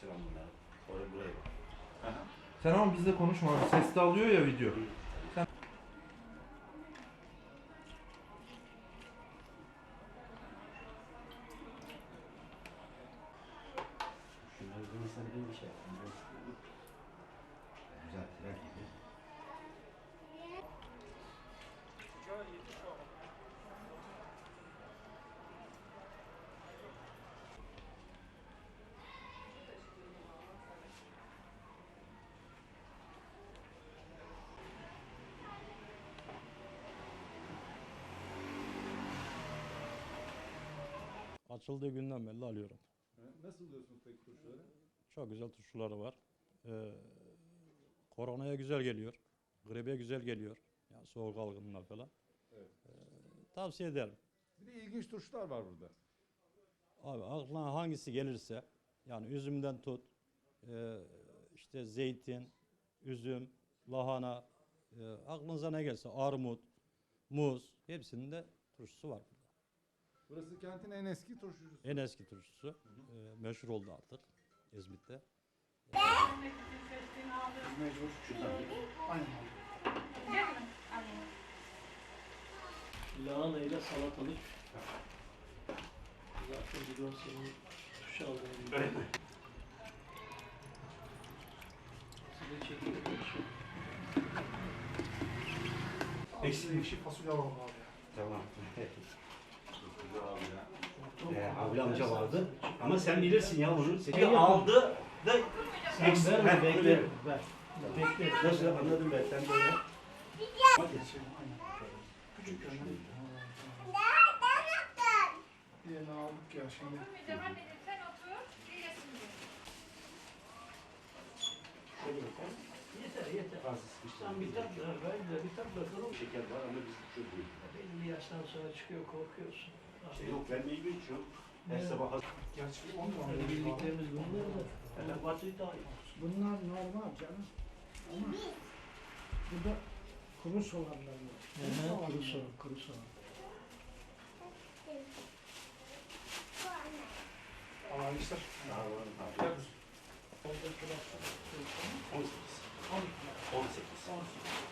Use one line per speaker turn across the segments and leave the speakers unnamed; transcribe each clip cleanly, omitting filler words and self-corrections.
Yapıştıran bunları. Oraya buraya bak. Aha.
Sen ama bizle konuşma abi. Ses de alıyor ya video. Sen...
Şunları ben sana bir şey yapayım. Güzel tren gibi.
Açıldığı günden beri alıyorum.
Nasıl buluyorsunuz peki turşuları?
Çok güzel turşuları var. Koronaya güzel geliyor. Gribe güzel geliyor. Yani soğuk algınlığına falan.
Evet.
Tavsiye ederim.
Bir de ilginç turşular var burada.
Abi aklına hangisi gelirse yani üzümden tut, işte zeytin, üzüm, lahana, aklınıza ne gelse armut, muz hepsinin de turşusu var burada.
Burası kentin en eski turşucusu.
En eski turşusu. Meşhur oldu artık İzmit'te.
Mecbur şuradan.
Lahana ile salatalık. Zaten biliyorum senin tuş aldığın gibi.
Öyle mi?
Size çekilir.
Ekşi
fasulye alalım abi.
Tamam. Avli amca vardı. Ama sen bilirsin ya bunu. Seni aldı da
Sen ver mi? Bekle. Ver. Bekle.
Nasıl anladım ben. Sen böyle.
Küçük yani. Diğerini aldık ya şimdi.
Yeter. Sen bir tat ver de bir tat bakalım.
Şeker var ama biz çok değil.
Belli bir yaştan sonra çıkıyor korkuyorsun.
Yok ben meyve içiyorum. Her sabah
Gerçi 10 tane.
Hani bildiklerimiz bunlar da. Hele batıyı daha iyi.
Bunlar normal canım. Ama burada kuru soğanlar var.
Kuru soğan.
Aa işte.
daha var.
Gel.
18. 18.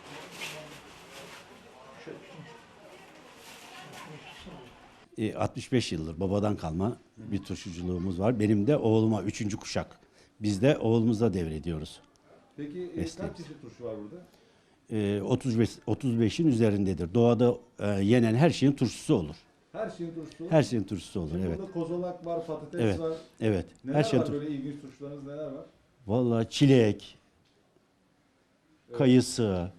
Şöyle.
65 yıldır babadan kalma bir turşuculuğumuz var. Benim de oğluma 3. kuşak. Biz de oğlumuza devrediyoruz.
Peki
Mesleğimiz.
kaç çeşit turşu var burada?
35'in üzerindedir. Doğada yenen her şeyin turşusu olur.
Her şeyin turşusu olur.
Her şeyin turşusu olur,
Şimdi
evet.
Burada kozolak var, patates
Evet.
var.
Evet.
Neler
Her şeyin
var
turşusu.
böyle ilginç turşularınız neler var?
Vallahi çilek,
Evet.
kayısı,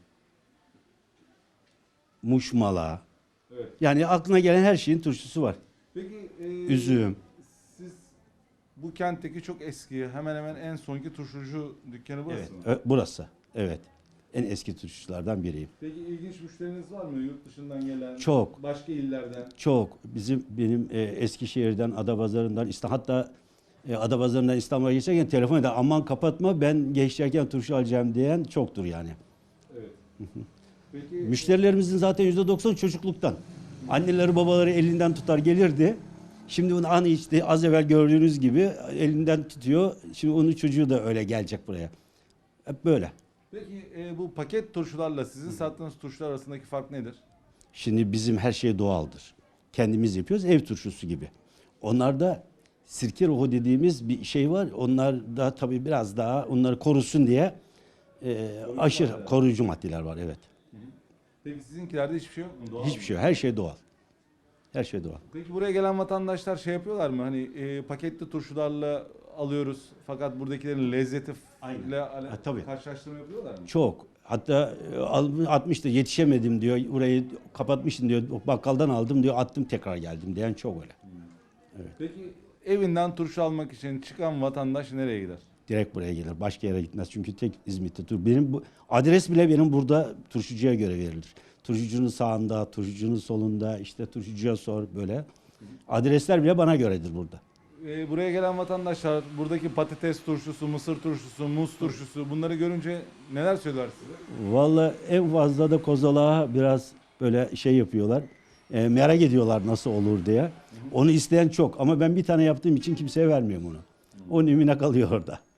muşmala.
Evet.
Yani aklına gelen her şeyin turşusu var.
Peki
Üzüm.
siz bu kentteki çok eski, hemen hemen en sonki turşucu dükkanı burası
Evet.
mı?
Burası. Evet. En eski turşuculardan biriyim.
Peki ilginç müşteriniz var mı yurt dışından gelen?
Çok.
Başka illerden?
Çok. Benim Eskişehir'den, Adapazarı'ndan, hatta Adapazarı'ndan İstanbul'a geçerken telefon eder. Aman kapatma ben geçerken turşu alacağım diyen çoktur yani.
Evet. Peki
Müşterilerimizin zaten %90 çocukluktan. Anneleri babaları elinden tutar gelirdi. Şimdi bunu an işte az evvel gördüğünüz gibi elinden tutuyor. Şimdi onun çocuğu da öyle gelecek buraya. Hep böyle.
Peki bu paket turşularla sizin sattığınız turşular arasındaki fark nedir?
Şimdi bizim her şey doğaldır. Kendimiz yapıyoruz ev turşusu gibi. Onlarda sirke ruhu dediğimiz bir şey var. Onlar da tabii biraz daha onları korusun diye aşırı
maddeler.
koruyucu maddeler var, evet.
Peki sizinkilerde hiçbir şey yok mu? Doğal
Hiçbir
mı?
şey yok. Her şey doğal. Her şey doğal.
Peki buraya gelen vatandaşlar şey yapıyorlar mı? Hani paketli turşularla alıyoruz fakat buradakilerin lezzeti
Aynen.
ile
Tabii.
karşılaştırma yapıyorlar mı?
Çok. Hatta 60'ta yetişemedim diyor. Burayı kapatmışsın diyor. Bakkaldan aldım diyor. Attım tekrar geldim diyen çok öyle.
Peki evinden turşu almak için çıkan vatandaş nereye gider?
Direkt buraya gelir. Başka yere gitmez. Çünkü tek İzmit'te tur. Benim bu adres bile benim burada turşucuya göre verilir. Turşucunun sağında, turşucunun solunda, işte turşucuya sor böyle. Adresler bile bana göredir burada.
Buraya gelen vatandaşlar buradaki patates turşusu, mısır turşusu, muz turşusu bunları görünce neler söyler size?
Vallahi en fazla da kozalağa biraz böyle şey yapıyorlar. Merak ediyorlar nasıl olur diye. Onu isteyen çok ama ben bir tane yaptığım için kimseye vermiyorum onu. O numune kalıyor orada.